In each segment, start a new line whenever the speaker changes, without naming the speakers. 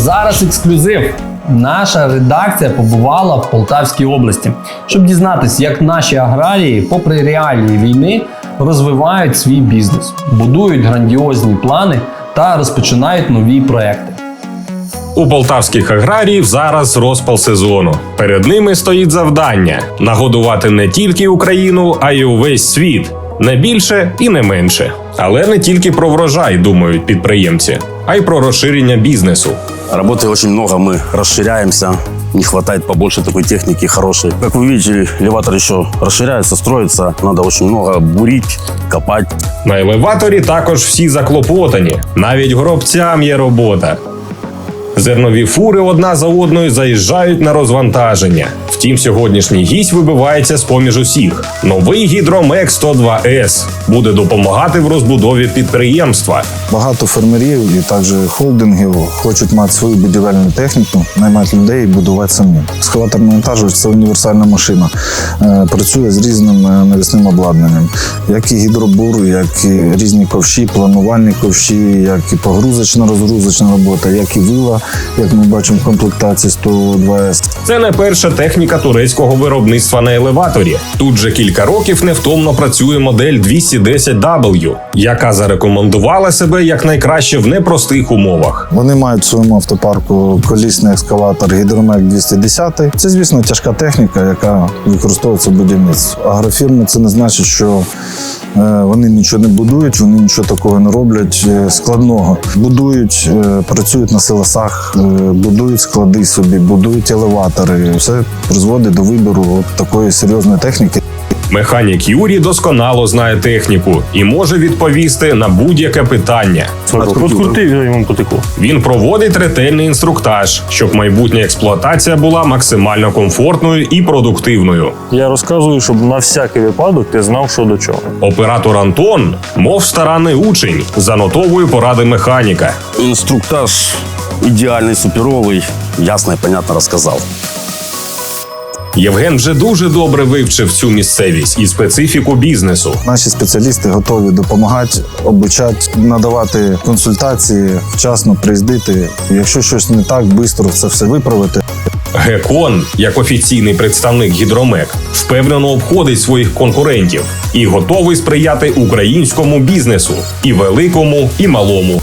зараз ексклюзив. Наша редакція побувала в Полтавській області, щоб дізнатися, як наші аграрії, попри реалії війни, розвивають свій бізнес, будують грандіозні плани та розпочинають нові проекти.
У полтавських аграріїв зараз розпал сезону. Перед ними стоїть завдання – нагодувати не тільки Україну, а й увесь світ. Не більше і не менше. Але не тільки про врожай думають підприємці, а й про розширення бізнесу.
Работы очень много, мы расширяемся. Не хватает побольше такой техники хорошей. Как вы видите, элеватор еще расширяется, строится. Надо очень много бурить, копать.
На елеваторі також всі заклопотані. Навіть гробцям є робота. Зернові фури одна за одною заїжджають на розвантаження. Втім, сьогоднішній гість вибивається з-поміж усіх. Новий Гідромек 102С буде допомагати в розбудові підприємства.
Багато фермерів і також холдингів хочуть мати свою будівельну техніку, наймати людей і будувати самі. Екскаватор-навантажувач – це універсальна машина. Працює з різним навісним обладнанням. Як і гідробур, як і різні ковші, планувальні ковші, як і погрузочна-розгрузочна робота, як і вила, як ми бачимо в комплектації 102С.
Це не перша техніка турецького виробництва на елеваторі. Тут же кілька років невтомно працює модель 210W, яка зарекомендувала себе як найкраще в непростих умовах.
Вони мають в своєму автопарку колісний екскаватор Гідромек 210. Це, звісно, тяжка техніка, яка використовується в будівництві. Агрофірми – це не значить, що вони нічого не будують, вони нічого такого не роблять складного. Будують, працюють на силосах, будують склади собі, будують елеватори. Все призводить до вибору от такої серйозної техніки.
Механік Юрій досконало знає техніку і може відповісти на будь-яке питання.
Открути йому потекло.
Він проводить ретельний інструктаж, щоб майбутня експлуатація була максимально комфортною і продуктивною.
Я розказую, щоб на всякий випадок ти знав, що до чого.
Оператор Антон, мов старанний учень, занотовує поради механіка.
Инструктаж идеальный, суперовый. Ясно и понятно рассказал.
Євген вже дуже добре вивчив цю місцевість і специфіку бізнесу.
Наші спеціалісти готові допомагати, обучати, надавати консультації, вчасно приїздити. Якщо щось не так, швидко це все виправити.
Гекон, як офіційний представник Гідромек, впевнено обходить своїх конкурентів і готовий сприяти українському бізнесу – і великому, і малому.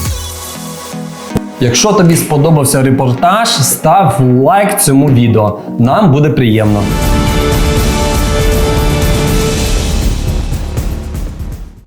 Якщо тобі сподобався репортаж, став лайк цьому відео. Нам буде приємно.